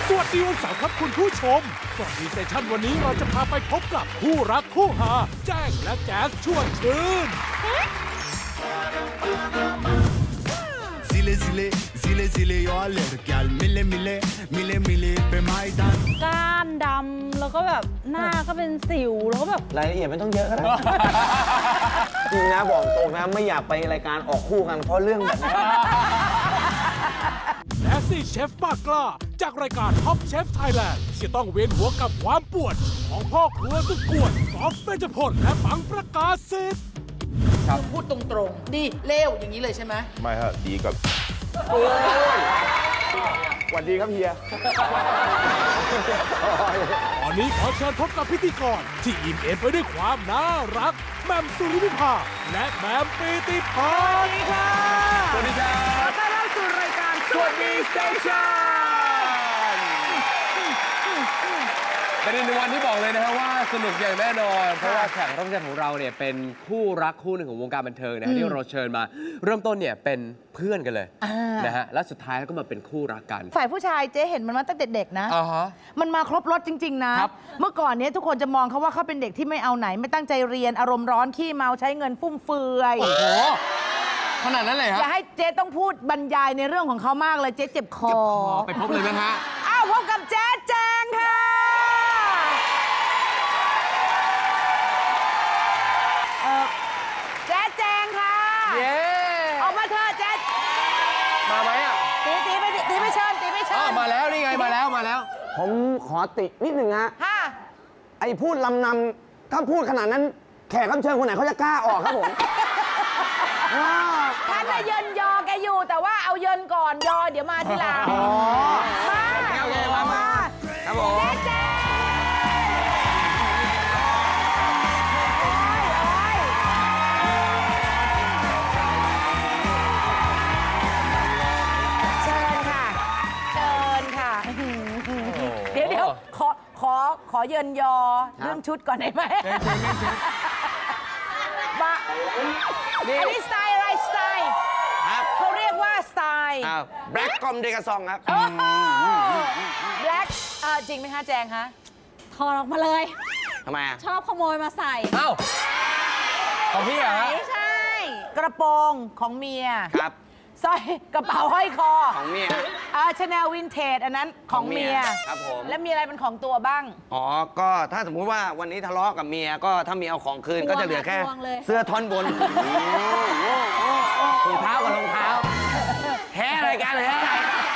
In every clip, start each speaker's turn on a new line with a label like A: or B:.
A: สวัสดีวันเสาร์ครับคุณผู้ชมสวัสดีเซสชั่นวันนี้เราจะพาไปพบกับคู่รักคู่หาแจ้งและแจ๊สชวนชื่น
B: Zile zile, zile zile eu alerg Al mile mile, mile mile pe Maidan
C: ก้านดำแล้วก็แบบหน้าก็เป็นสิวแล้วก็แบบ
D: รายละเอียดไม่ต้องเยอะก็ได้ จริงนะบอกตรงนะไม่อยากไปรายการออกคู่กันเพราะเรื่องแบบนี้
A: และสี่เชฟปากกล้าจากรายการ Top Chef Thailand ที่ต้องเวียนหัวกับความปวดของพ่อครัวสุดกวนกอล์ฟเบญจพลและปังประกาศสิทธิ์
E: พูดตรงๆดีเลวอย่างนี้เลยใช่ไหม
F: ไม่ฮะดีกับ
D: สวัสดีครับเฮีย
A: ตอนนี้ขอเชิญพบกับพิธีกรที่อิ่มเอมไปด้วยความน่ารักแหม่มสุริวิภาและแหม่มปีติพรค่ะ
F: สวัสดีครับ
E: ต้อนรับสู่รายการ
F: สวัสดีสเตชันเป็นอีกหนึ่งวันที่บอกเลยนะฮะว่าสนุกอย่างแน่นอน เพราะว่าแขกรับเชิญของเราเนี่ยเป็นคู่รักคู่หนึ่งของวงการบันเทิงนะฮะที่เราเชิญมาเริ่มต้นเนี่ยเป็นเพื่อนกันเลยนะฮะและสุดท้ายก็มาเป็นคู่รักกัน
E: ฝ่ายผู้ชายเจ๊เห็นมันมาตั้งแต่เด็กนะ
F: อ่าฮะ
E: มันมาครบรถจริง ๆ นะ
F: ครับ
E: เมื่อก่อนเนี้ยทุกคนจะมองเขาว่าเขาเป็นเด็กที่ไม่เอาไหน ไม่ตั้งใจเรียนอารมณ์ร้อนขี้เมาใช้เงินฟุ่มเฟือย
F: โอ้โหขนาดนั้นเลยฮะ
E: อย่าให้เจ๊ต้องพูดบรรยายในเรื่องของเขามากเลยเจ๊เจ็บคอ
F: ไปพบเลยนะฮะ
E: อ้าวพบกับแจ๊ดแจงค่ะแจ๊ดแจงค่ะ
F: เย้
E: ออกมาเถอะแจ๊ด
F: มาไหมอ่ะ
E: ตีไม่เชิญตีไม่เชิ
F: อ๋อ
E: ญ
F: มาแล้วนี่ไงมาแล้วมาแล้ว
D: ผมขอตินิดหนึ่งฮะ
E: ค่ะ
D: ไอ้พูดลำนำถ้าพูดขนาดนั้น แขกรับเชิญคนไหนเขาจะกล้าออกครับผม
E: ท่านน่ะเยินยอแกอยู่แต่ว่าเอาเยินก่อนยอเดี๋ยวมาทีหลังมา
D: โอเคมา ครับผม
E: แจ๊ดแจ๊ดโอ้ยเชิญค่ะ เชิญค่ะ เดี๋ยวขอเยินยอเรื่องชุดก่อนได้ไหมมาอันนี้สไตล์อะไรสไตล์
D: ครับ
E: เขาเรียกว่าสไตล์
D: แบล็กกอมเดกาซองครับ
E: แบล็กจริงไหมคะแจงคะ
C: ถอดออกมาเลย
D: ทำไมอ่ะ
C: ชอบขโมยมาใส่
F: เอ้าของพี่เหรอฮะ
C: ไม่ใช่
E: กระโปรงของเมีย
D: ครับ
E: สร้อยกระเป๋าห้อยคอ
D: ของเมีย
E: ชาแนลวินเทจอันนั้นของเมีย
D: ครับผม
E: แล้วมีอะไรเป็นของตัวบ้าง
D: อ๋อ ก็ถ้าสมมุติว่าวันนี้ทะเลาะกับเมีย ก็ถ้าเมียเอาของคืน
C: ทวง
D: ก็จะเหลือแค่
C: ทวงเลย
D: เสื้อท่อนบนถุงเท้ากับรองเท้าแท้อะไรกันเลยฮะ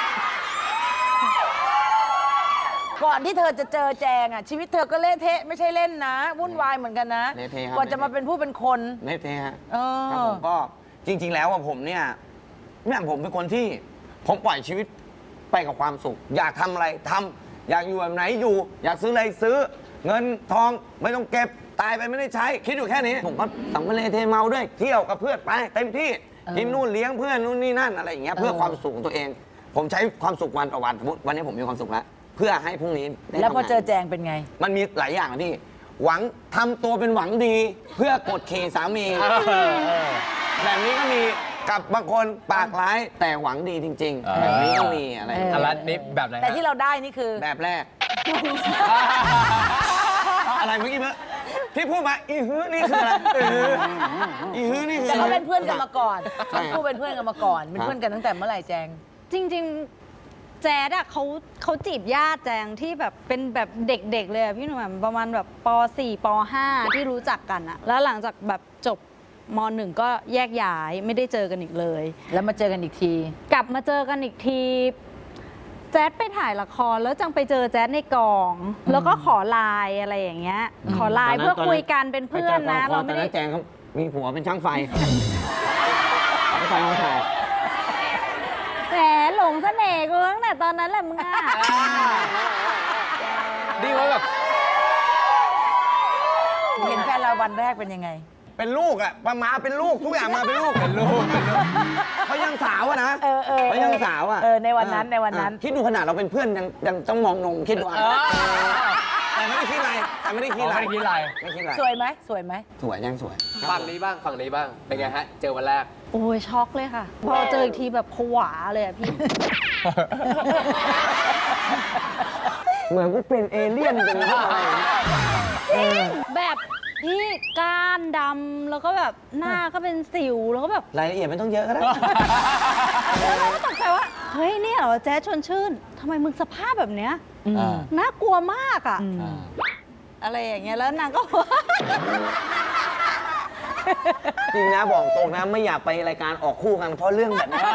E: ก่อนที่เธอจะเจอแจงอ่ะชีวิตเธอก็เละเทะไม่ใช่เล่นนะวุ่นวายเหมือนกันนะ
D: เละเทะครับ
E: กว่าจะมาเป็นผู้เป็นคน
D: เละเทะฮะ
E: เออ
D: ครับผมก็จริง ๆ แล้วอะผมเนี่ยผมเป็นคนที่ผมปล่อยชีวิตไปกับความสุข อยากทำอะไรทำอยากอยู่แบบไหนอยู่ อยากซื้ออะไรซื้อ เงินทองไม่ต้องเก็บตายไปไม่ได้ใช้ คิดอยู่แค่นี้ ผมก็สัมภาระเทเมาด้วยเที่ยวกับเพื่อนไปเต็มที่กินนู่นเลี้ยงเพื่อนนู่นนี่นั่นอะไรอย่างเงี้ยเพื่อความสุขของตัวเอง ผมใช้ความสุขวันต่อวันสมมติวันนี้ผมมีความสุขแล้วเพื่อให้พรุ่งนี้ได้
E: แล้วพอ
D: ทำงาน
E: เจอแจงเป็นไง
D: มันมีหลายอย่างนะพี่ หวังทำตัวเป็นหวังดี เพื่อกดขี่สามี แบบนี้ก็มีกับบางคนปากร้ายแต่หวังดีจริง ๆ แบบนี้ก็มีอะไร
F: อันละนี้แบบไหนฮะ
E: แต่ที่เราได้นี่คือ
D: แบบแรก อะไรเมื่อกี้เมื่อที่พูดมาอีฮื้อนี่คืออะไรอีฮื้อนี่คือ
E: แต่เขาเป็นเพื่อนกันมาก่อน
D: ใช่
E: ทั้งคู่เป็นเพื่อนกันมาก่อน เป็นเพื่อนกันตั้งแต่เมื่อไหร่แจง
C: จริงๆ แจ๊ดอะเขาจีบญาติแจงที่แบบเป็นแบบเด็กๆเลยอะพี่หนุ่มประมาณแบบป .4 ป .5 ที่รู้จักกันอะแล้วหลังจากแบบจบม .1 ก็แยกย้ายไม่ได้เจอกันอีกเลย
E: แล้วมาเจอกันอีกที
C: กลับมาเจอกันอีกที แจ๊ดไปถ่ายละครแล้วจังไปเจอแจ๊ดในกอง แล้วก็ขอไลน์อะไรอย่างเงี้ย ขอไลน์เพื่อคุยกันเป็นเพื่อนนะ
D: เรา
C: เรา
D: ไม่
C: ไม่
D: ได้
C: ได้
D: แจงเขามีผัวเป็นช่างไฟช่างไฟมาถ่าย
C: แหมหลงเสน่ห์กูตั้งแต่ตอนนั้นแหละมึงอะ
F: ดีว่าแบบ
E: เห็นแฟนเราวันแรกเป็นยังไง
D: เป็นลูกอะมาเป็นลูกทุกอย่างมาเป็นลูก
F: เป็นลูก
D: เขายังสาวอะนะ
E: เออ
D: เขายังสาวอะ
E: ในวันนั้นในวันนั้น
D: คิดดูขนาดเราเป็นเพื่อนยังต้องมองนมคิดดูอะแต่ไม่ได้คิดอะไรแต่ไม่ได้คิดอะไร
F: ไม่ได้คิดอะไร
D: ไม่คิดอะไร
E: สวยไหมสวยไหม
D: สวยยังสวย
F: ฝั่งนี้บ้างฝั่งนี้บ้าง เป็นไงฮะ เจอวันแรก
C: โอ้ยช็อกเลยค่ะ พอเจออีกทีแบบผวาเลยอะพี่
D: เหมือนกูเป็นเอเลี่ยนเป็นอะไรอย่างเงี้ย
C: แบบพี่ก้านดำแล้วก็แบบหน้าก็เป็นสิวแล้วก็แบบ
D: รายละเอียดไม่ต้องเยอะก็ได้
C: แล้วเราก็ตกใจว่าเฮ้ยเนี่ยเหรอแจ๊ดชวนชื่นทำไมมึงสภาพแบบเนี้ย
F: อ่า
C: น่ากลัวมากอ่ะอะไรอย่างเงี้ยแล้วนางก็
D: จริงนะบอกตรงนะไม่อยากไปรายการออกคู่กันเพราะเรื่องแบบนี้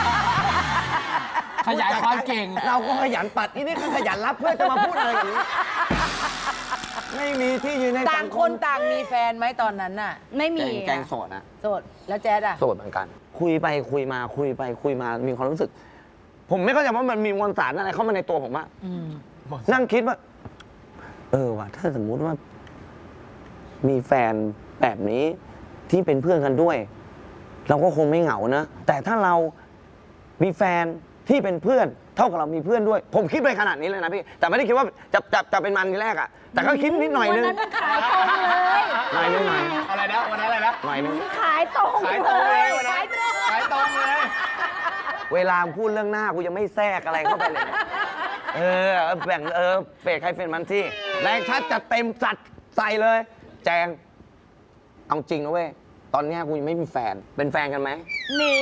F: ขยายความเก่ง
D: เราก็ขยันปัดนี่ก็ขยันรับเพื่อจะมาพูดอะไรอย่างนี้ ไม่มีที่ยืนใน
E: ต่างคนต่างมีแฟนไหมตอนนั้นน่ะ
C: ไม่มี
D: แกงโสดนะ
E: โสดแล้วแจ๊ดอ่ะ
D: โสดเหมือนกัน คุยไปคุยมาคุยไปคุยมามีความรู้สึก ผมไม่เข้าใจว่ามันมีมวลสารอะไรเข้ามาในตัวผมอะนั่งคิดว่า ว่ะถ้าสมมุติว่า มีแฟนแบบนี้ที่เป็นเพื่อนกันด้วย เราก็คงไม่เหงานะแต่ถ้าเรามีแฟนที่เป็นเพื่อน เท่ากับเรามีเพื่อนด้วย ผมคิดไปขนาดนี้เลยนะพี่แต่ไม่ได้คิดว่าจะเป็นมันทีแรกอะแต่ก็คิดนิดหน่อยนึง
C: วันนั้นขายตรงเลย
D: หน่อยนึงหน่อย
F: อะไรนะวันนั้นอะไรนะ
D: หน่อยนึง
C: ขายตรง
F: ขายต
C: เล
F: รงเลย
C: ย
F: วันนั้นขายตรงเลย
D: เวลาพูดเรื่องหน้ากูยังไม่แทรกอะไรเข้าไปเลย แบ่งเฟดใครเฟดมันที่แรงชัดจะเต็มจัดใส่เลย แจง เอาจริงนะเว้ย ตอนเนี้ยกูยังไม่มีแฟน เป็นแฟนกันไหม
E: นี่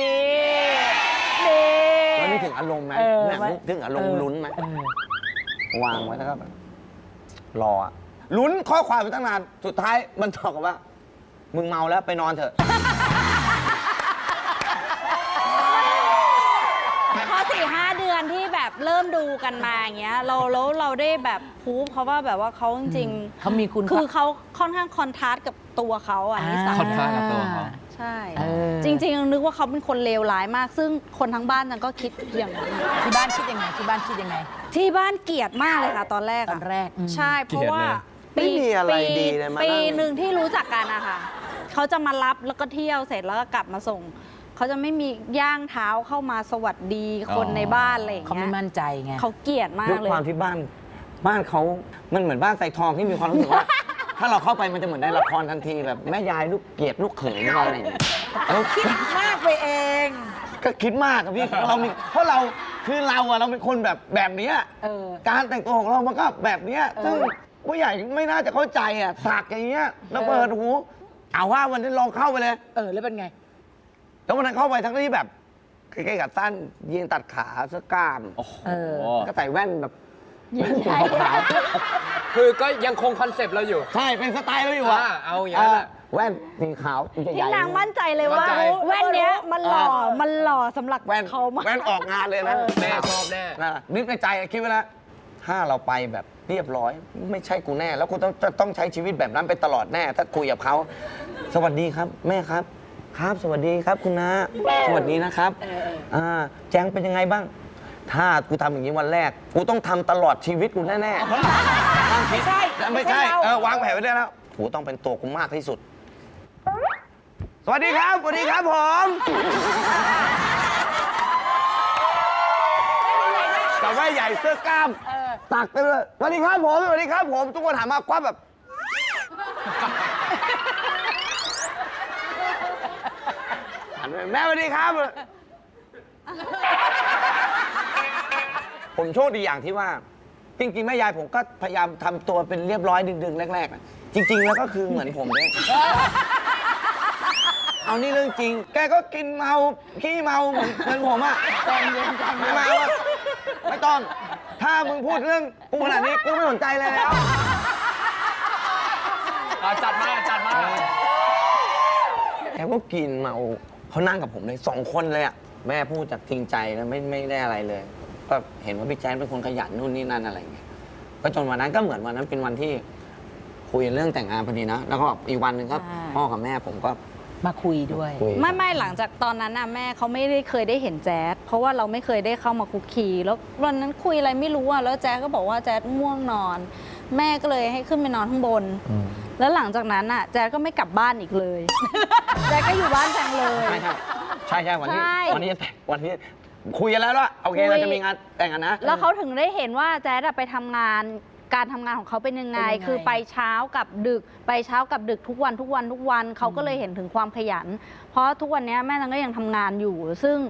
D: มันไม่ถึงอารมณ์ไหม
E: เออ
D: เนี่ยถึงอารมณ์ลุ้นไหมวางไว้แล้วก็แบบรออะลุ้นข้อความไปตั้งนาน สุดท้ายมันตอบกับว่า มึงเมาแล้วไปนอนเถอะ
C: พอ4-5 เดือนที่แบบเริ่มดูกันมาอย่างเงี้ยเราได้แบบพูฟเขาว่าแบบว่าเขาจริงๆ
E: เขามีคุณ
C: คือเขาค่อนข้างคอนทราสต์กับตัวเขาอ่ะนิสัย
F: คอนทราสต์กับตัวเขา
C: ใช่
E: เออ
C: จริงๆนึกว่าเขาเป็นคนเลวร้ายมาก ซึ่งคนทั้งบ้านนั้นก็คิดอย่างนั้น
E: ที่บ้านคิดยังไงที่บ้านคิดยังไง
C: ที่บ้านเกลียดมากเลยค่ะตอนแรก
E: ตอนแรก
C: ใช่เพราะว่า
D: ไม่มีอะไรดีเลยมานั่ง
C: ปีหนึ่งที่รู้จักกันอะค่ะเขาจะมารับแล้วก็เที่ยวเสร็จแล้วก็กลับมาส่งเขาจะไม่มีย่างเท้าเข้ามาสวัสดีคนในบ้านอะไรอย่าง
E: เขา
C: เงี้
E: ไม่
C: ย
E: มั่นใจไง
C: เขาเกลียดมา
D: ด้ว
C: ก
D: ย
C: เลย
D: ความที่บ้านเขามันเหมือนบ้านใส่ทองที่มีความรู้สึกว่า ถ้าเราเข้าไปมันจะเหมือนในละครทันทีแบบแม่ยายลูกเกลียดลูกเขยอะไรอย่างเงี้ยเราคิด
E: มากไปเอง
D: ก็คิดมากอะพี่เพราะเราคือเราเป็นคนแบบเนี้ย
E: เออ
D: การแต่งตัวของเรามันก็แบบเนี้ยซึ่งผู้ใหญ่ไม่น่าจะเข้าใจอะสักอย่างเงี้ยแล้วเปิดหูเอาว่าวันนี้ลองเข้าไปเลย
E: แล้วเป็นไง
D: แล้ววันนั้นเข้าไปทั้งที่แบบใกล้ๆกับสั้นยีนตัดขาเสื้อกล้าม
F: โอ้โห
D: ก็ใส่แว่นแบบแว่นสีขาว
F: คือก็ยังคงคอนเซปต์เราอยู่
D: ๆใช่เป็นสไตล์เราอยู่อะ
F: เอาอย่างนั้นแหละ
D: แว่นสีขาวให
C: ที่
D: ญ่ๆ
C: นางมั่นใจเลยว่า
F: มั่นใจ
C: แว่นเนี้ยมันหล่อสำหรับ
D: แว่น
C: เขามาก
D: แว่นออกงานเลยนะ
F: แม่ชอบแน่
D: นึกในใจคิดไว้แล้วถ้าเราไปแบบเรียบร้อย ไม่ใช่กูแน่ แล้วกูต้องใช้ชีวิตแบบนั้นไปตลอดแน่ ถ้าคุยกับเขาสวัสดีครับ แม่ครับ ครับ สวัสดีครับคุณน้าสวัสดีนะครับแจ้งเป็นยังไงบ้าง ถ้ากูทำอย่างนี้วันแรก กูต้องทำตลอดชีวิตกูแน่ๆ
E: ไม่ใช่
D: ไม่ใช่วางแผนไว้ได้แล้วกูต้องเป็นตัวกูมากที่สุด สวัสดีครับ สวัสดีครับผมกับแว่นใหญ่เสื้อกล้ามตักไปเลยสวัสดีครับผมสวัสดีครับผม ทุกคนถามมาคว้าแบบหันไปแม่สวัสดีครับ ผมโชคดีอย่างที่ว่า จริงๆแม่ยายผมก็พยายามทำตัวเป็นเรียบร้อยดึงๆแรกๆนะจริง ๆ แล้วก็คือเหมือนผมเนี่ย เอานี่เรื่องจริง แกก็กินเมาขี้เมาเหมือนผมอะไม่มาว่าไม่ต้อง ถ้ามึงพูดเรื่องกูขนาดนี้กูไม่สนใจเลยแล้ว
F: จัดมา
D: แกก็กินเมาเขานั่งกับผมเลย2 คนเลยอะแม่พูดจากจริงใจแล้วไม่ได้อะไรเลย ก็เห็นว่าพี่แจ๊ดเป็นคนขยันนู่นนี่นั่นอะไรอย่างเงี้ยก็จนวันนั้นก็เหมือนวันนั้นเป็นวันที่คุยเรื่องแต่งงานพอดีนะ แล้วก็อีกวันหนึ่งก็พ่อกับแม่ผมก็
E: มาคุยด้วย
D: คุย
C: ไม่หลังจากตอนนั้นน่ะแม่เขาไม่ได้เคยได้เห็นแจ๊ดเพราะว่าเราไม่เคยได้เข้ามาคุกคีแล้ววันนั้นคุยอะไรไม่รู้อ่ะแล้วแจ๊ดก็บอกว่าแจ๊ดง่วงนอน แม่ก็เลยให้ขึ้นไปนอนข้างบน แล้วหลังจากนั้นอ่ะแจ๊ดก็ไม่กลับบ้านอีกเลย แจ๊ดก็อยู่บ้านแจงเลย
D: ใช่วันนี้
C: ใช่
D: วันนี้คุยกันแล้วว่าโอเค
C: คุย
D: เราจะมีงานแต่งกันนะ
C: แล้วเขาถึงได้เห็นว่าแจ๊ดอะไปทำงานการทำงานของเขาเป็นยังไง
E: เป็นยังไง
C: คือไปเช้ากับดึก ไปเช้ากับดึกทุกวันเขาก็เลยเห็นถึงความขยัน เพราะทุกวันนี้แม่ตังก็ยังทำงานอยู่ ซึ่ง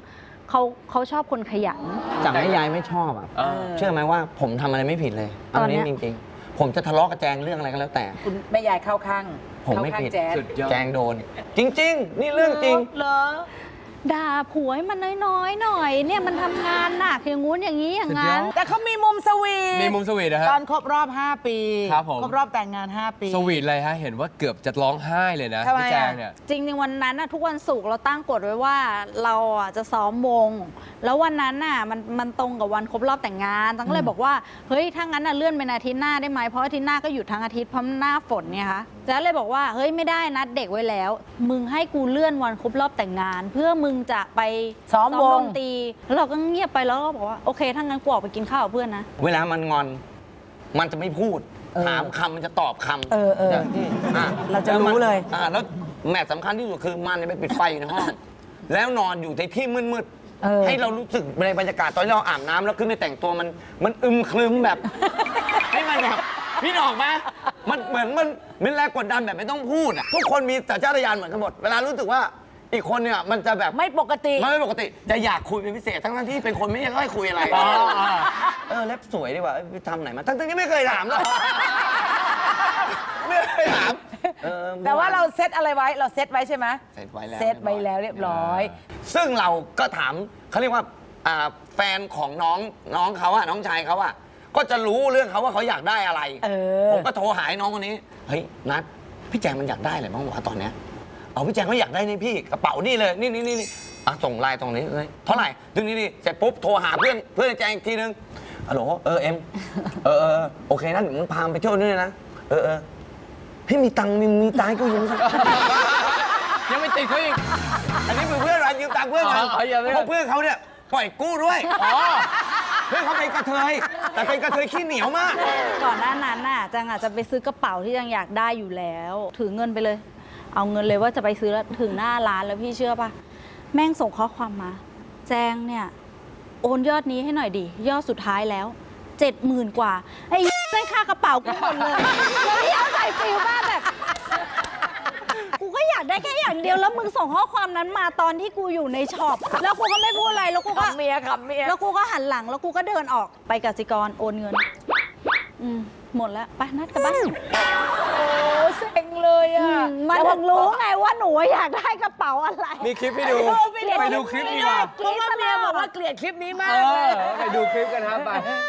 C: เขาชอบคนขยัน
D: จากให้ยายไม่ชอบอ่ะ เชื่อไหมว่าผมทำอะไรไม่ผิดเลย
C: ตอนเนี้
D: นี้
C: ย
D: จริงๆ ผมจะทะเลาะกับแจงเรื่องอะไรก็แล้วแต่
E: คุณแม่ยายเข้าข้าง
D: ผมไม่
E: เข้าข้าง
D: ผิด
E: แจ๊ด
F: สุดยอด
D: แจงโดน จริง ๆ นี่เรื่องจริง
E: เหรอ
C: ด่าผัวให้มันน้อยๆหน่อย เนี่ยมันทำงานหนักอย่างงู้นอย่างนี้อย่างนั้น
E: แต่เขามีมุมสวีท
F: มีมุมสวีทนะฮะ
E: ตอนครบรอบ 5 ปี
F: ครับผม
E: ครบรอบแต่งงาน 5 ปี
F: สวีทเลยฮะ เห็นว่าเกือบจะร้องไห้เลยนะ
E: ทำไม
F: พี่
E: อะ
F: แจงเนี่ย
C: จริงๆวันนั้นน่ะทุกวันศุกร์เราตั้งกฎไว้ว่าเราอ่ะจะซ้อมวง แล้ววันนั้นน่ะมันตรงกับวันครบรอบแต่งงานตั้งก็เลยบอกว่าเฮ้ยถ้างั้นน่ะเลื่อนเป็นอาทิตย์หน้าได้ไหมเพราะอาทิตย์หน้าก็หยุดทั้งอาทิตย์เพราะหน้าฝนเนี่ยค่ะแจ๊ดเลยบอกว่าเฮ้ยไม่ได้นัดเด็กไว้แล้ว มึงให้กูเลื่อนวันครบรอบแต่งงาน เพื่อมึงจะไป
E: ซ้อมวง
C: ดนตรีแล้วเราก็เงียบไปแล้วก็บอกว่าโอเคถ้างั้นกูออกไปกินข้าวกับเพื่อนนะ
D: เวลามันงอน มันจะไม่พูด ถามคำมันจะตอบคำ
E: เออ
D: ย่างที่อ่
E: เราจะรู้เลย
D: แล้วแมทสำคัญที่สุดคือมันเนี่ยไปปิดไฟอยู่ในห้อง แล้วนอนอยู่ในที่มืด
E: เออ
D: ให้เรารู้สึกในบรรยากาศตอนที่เราอาบน้ำแล้วขึ้นไปแต่งตัวมันอึมครึมแบบ ให้มันแบบพี่ออกไหมมันเหมือนมันแรงกดดันแบบไม่ต้องพูดอ่ะทุกคนมีสัญชาตญาณเหมือนกันหมดเวลารู้สึกว่าอีกคนเนี่ยมันจะแบบ
E: ไม่ปกติ
D: มันไม่ปกติจะอยากคุยเป็นพิเศษทั้งที่เป็นคนไม่ค่อยคุยอะไรเล็บสวยดีกว่าไปทำไหนมาทั้งที่ไม่เคยถามเลยไม่เคยถาม
E: แต่ว่าเราเซตอะไรไว้ เราเซตไว้ใช่ไหม
D: เซตไว้แล้ว
E: เซตไว้แล้วเรียบร้อย
D: ซึ่งเราก็ถามเขาเรียกว่าแฟนของน้องเขาอะน้องชายเขาอะก็จะรู้เรื่องเขาว่าเขาอยากได้อะไร ผมก็โทรหาไอ้น้องคนนี้เฮ้ยนัดพี่แจงมันอยากได้อะไรบ้างวะตอนเนี้ยเอาพี่แจงเขาอยากได้นี่พี่กระเป๋านี่เลยนี่ส่งไลน์ตรงนี้เลยเท่าไหร่ดึงนี่เสร็จปุ๊บโทรหาเพื่อนแจงอีกทีนึงฮัลโหลเอ็มโอเคนะเดี๋ยวมึงพาไปเที่ยวด้วยนะพี่มีตังค์มีตังค์ให้กูยืมสัก
F: ยังไม่ติดเขาอีก
D: อันนี้เป็นเพื่อนเรายืมตังค์เพื่อนกัน
F: อ๋ออย่าไม่
D: เพราะเพื่อนเขาเนี่ยปล่อยกู้ด้วยเพื่อนเขาเป็นกระเทยแต่เป็นกระเทยขี้เหนียวมาก
C: ก่อนหน้านั้นน่ะจังอาจจะไปซื้อกระเป๋าที่จังอยากได้อยู่แล้ว ถือเงินไปเลย เอาเงินเลยว่าจะไปซื้อแล้วถึงหน้าร้านแล้วพี่เชื่อปะแม่งส่งข้อความมา แจงเนี่ยโอนยอดนี้ให้หน่อยดิยอดสุดท้ายแล้ว 70,000 กว่าไอ้ได้ค่ากระเป๋ากูหมดเลยแล้วพี่เอาใจฟิลมากแบบกูก็อยากได้แค่อย่างเดียวแล้วมึงส่งข้อความนั้นมาตอนที่กูอยู่ในช็อปแล้วกูก็ไม่พูดอะไรแล้วกูก็
E: ขำเมีย
C: แล้วกูก็หันหลังแล้วกูก็เดินออกไปกสิกรโอนเงินหมดแล้วไปนัดกันบ้าน
E: โอ้เซ็งเลยอ่ะ
C: มันถึงรู้ไงว่าหนูอยากได้กระเป๋าอะไร
F: มีคลิปให้ดู ไปดูคลิปดีกว่า
E: เพราะว่าเมียบอกว่าเกลียดคลิปนี้มาก
F: เอ
E: เล
F: อย ไปดูคลิปกันครับไป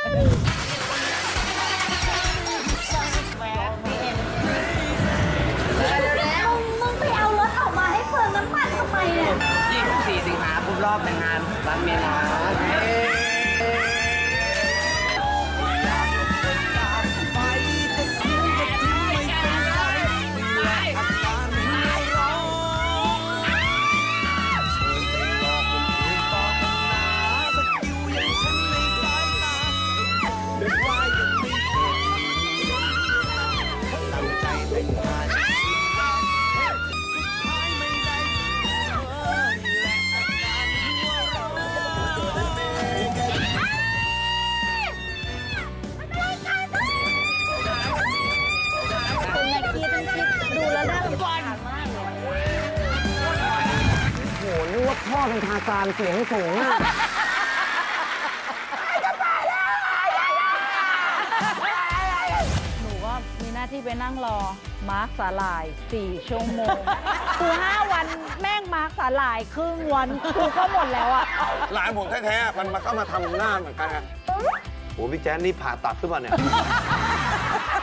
C: มึงไปเอารถออกมาให้เปลืองน้ำมันทำไมเนี่ย
D: 24 สิงหาคมรอบแต่งงานรักเมียนะ
C: เป็นไงคิดดูแล้วน่ารำคาญมากเลย
D: โหนึกว่าพ่อเป็นทาซานเสียงสูงอะ
C: หนูก็มีหน้าที่ไปนั่งรอมาร์คสาหร่าย 4 ชั่วโมง คือ5 วันแม่งมาร์คสาหร่ายครึ่งวันกูก็หมดแล้วอะ
D: หลานผมแท้ๆมันก็มาทำหน้าเหมือนกันไงโอ้พี่แจ๊นนี่ผ่าตัดหรือเปล่าเนี่ย